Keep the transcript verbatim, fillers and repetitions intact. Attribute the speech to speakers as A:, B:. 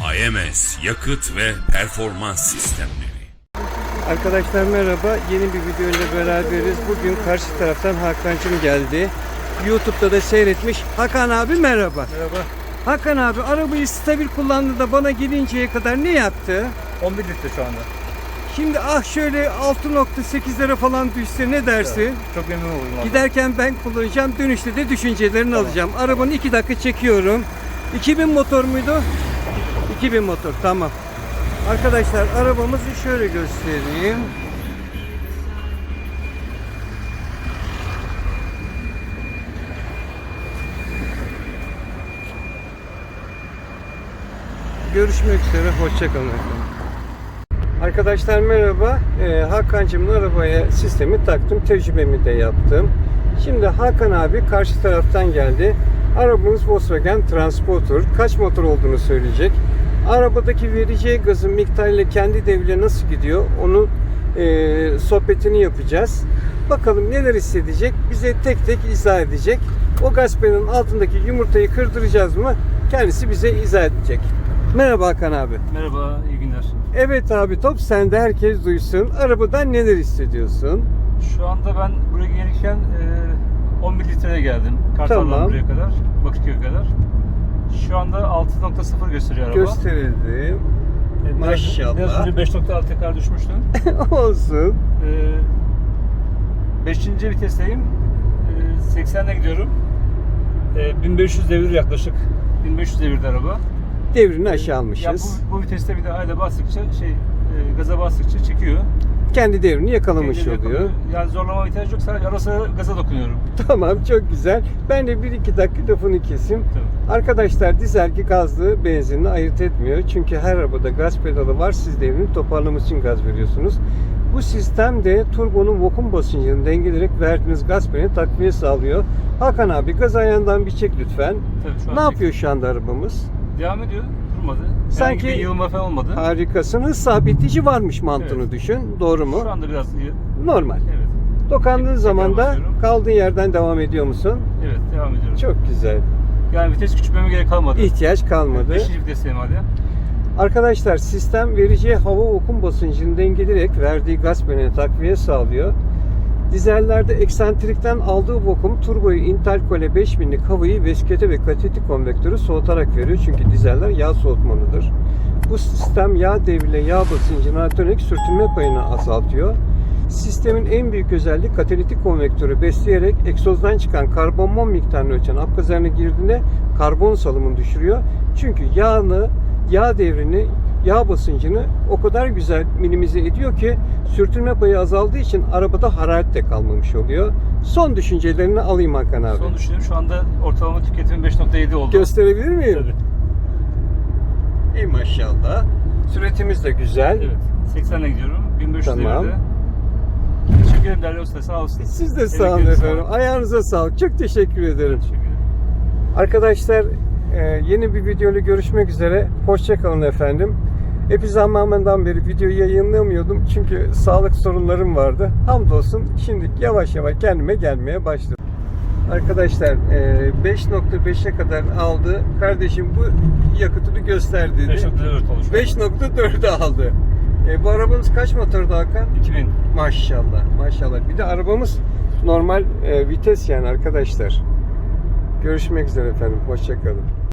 A: A M S yakıt ve performans sistemleri.
B: Arkadaşlar merhaba. Yeni bir video ile beraberiz. Bugün karşı taraftan Hakan'cığım geldi. YouTube'da da seyretmiş. Hakan abi merhaba.
C: Merhaba.
B: Hakan abi arabayı stabil kullandı da bana gelinceye kadar ne yaptı?
C: on bir litre şu anda.
B: Şimdi ah şöyle altı nokta sekizlere falan düşse ne dersin?
C: Evet, çok memnun oldum. Abi.
B: Giderken ben kullanacağım. Dönüşte de düşüncelerini
C: Tamam.
B: alacağım. Arabanı iki dakika çekiyorum. iki bin motor muydu? iki bin motor. Tamam. Arkadaşlar arabamızı şöyle göstereyim. Görüşmek üzere. Hoşçakalın efendim. Arkadaşlar merhaba. Ee, Hakan'cığımın arabaya sistemi taktım. Tecrübemi de yaptım. Şimdi Hakan abi karşı taraftan geldi. Arabamız Volkswagen Transporter. Kaç motor olduğunu söyleyecek. Arabadaki vereceği gazın miktarıyla kendi devrine nasıl gidiyor onu e, sohbetini yapacağız. Bakalım neler hissedecek. Bize tek tek izah edecek. O gaz pedalının altındaki yumurtayı kırdıracağız mı? Kendisi bize izah edecek. Merhaba Hakan abi.
C: Merhaba, iyi günler.
B: Evet abi, top sende, herkes duysun. Arabadan neler hissediyorsun?
C: Şu anda ben buraya gelirken e, on bir litreye geldim. Kartal'dan
B: Tamam.
C: buraya kadar, Bakırköy'e kadar. Şu anda altı nokta sıfır gösteriyor araba.
B: Gösterildi.
C: E, biraz-
B: Maşallah.
C: Biraz önce beş nokta altı tekrar düşmüştüm.
B: Olsun.
C: E, beşinci vitesteyim. E, seksenle gidiyorum. E, bin beş yüz devir yaklaşık. bin beş yüz devirde araba.
B: Devrini aşağı
C: Ya
B: almışız.
C: bu, bu viteste bir de ayda bastıkça şey, e, gaza bastıkça çekiyor.
B: Kendi devrini yakalamış
C: Kendini
B: oluyor.
C: yakalıyor. Yani zorlama ihtiyacı yok. Sadece ara sıra gaza dokunuyorum.
B: Tamam, çok güzel. Ben de bir iki dakika lafını keseyim.
C: Tabii.
B: Arkadaşlar dizelki gazlı benzinli ayırt etmiyor. Çünkü her arabada gaz pedalı var. Siz devrini toparlamak için gaz veriyorsunuz. Bu sistem de turbonun vakum basıncını dengeleyerek verdiğiniz gaz pedalına takviye sağlıyor. Hakan abi gaz ayağından bir çek lütfen.
C: Tabii, şu an
B: Ne
C: çek-
B: yapıyor şu anda arabamız?
C: Devam ediyor. Durmadı.
B: Sanki-
C: Sanki bir yığılma falan olmadı.
B: Harikasın. Hız sabitleyici varmış mantığını
C: Evet.
B: düşün. Doğru mu?
C: Şu anda biraz iyi.
B: Normal.
C: Evet.
B: Dokandığın
C: Tekrar
B: zaman da
C: basıyorum.
B: kaldığın yerden devam ediyor musun?
C: Evet, devam ediyorum.
B: Çok güzel.
C: Yani vites küçültmeme gerek kalmadı.
B: İhtiyaç kalmadı.
C: Beşinci vitesteyim hala.
B: Arkadaşlar sistem vereceği hava vakum basıncını dengeleyerek verdiği gaz pedaline takviye sağlıyor. Dizellerde eksentrikten aldığı vakum turboyu interkole beş binlik havayı veskete ve katalitik konvektörü soğutarak veriyor. Çünkü dizeller yağ soğutmalıdır. Bu sistem yağ devriyle yağ basıncını artırarak sürtünme payını azaltıyor. Sistemin en büyük özelliği katalitik konvektörü besleyerek egzozdan çıkan karbon mum miktarını ölçen apgazlarına girdiğinde karbon salımını düşürüyor. Çünkü yağını, yağ devrini, yağ basıncını o kadar güzel minimize ediyor ki sürtünme payı azaldığı için arabada hararet de kalmamış oluyor. Son düşüncelerini alayım Hakan abi.
C: Son düşünüyorum. Şu anda ortalama tüketimim beş nokta yedi oldu.
B: Gösterebilir miyim?
C: Tabii.
B: İyi maşallah. Süretimiz de güzel.
C: Evet. seksenle gidiyorum. bin beş yüz
B: Tamam.
C: devirde. Teşekkür ederim Derya Usta. Sağ olsun.
B: Siz de sağ olun
C: Emeklerinize
B: efendim.
C: sağlık.
B: Ayağınıza sağlık. Çok teşekkür ederim.
C: Teşekkür ederim.
B: Arkadaşlar e, yeni bir videoyla görüşmek üzere. Hoşçakalın efendim. Epey zamandan beri video yayınlamıyordum. Çünkü sağlık sorunlarım vardı. Hamdolsun şimdi yavaş yavaş kendime gelmeye başladım. Arkadaşlar e, beş nokta beşe kadar aldı. Kardeşim bu yakıtını göster dedi.
C: beş nokta dört olmuş.
B: beş nokta dörde aldı. E, bu arabamız kaç motordu Hakan?
C: iki bin.
B: Maşallah, maşallah. Bir de arabamız normal e, vites yani arkadaşlar. Görüşmek üzere efendim. Hoşça kalın.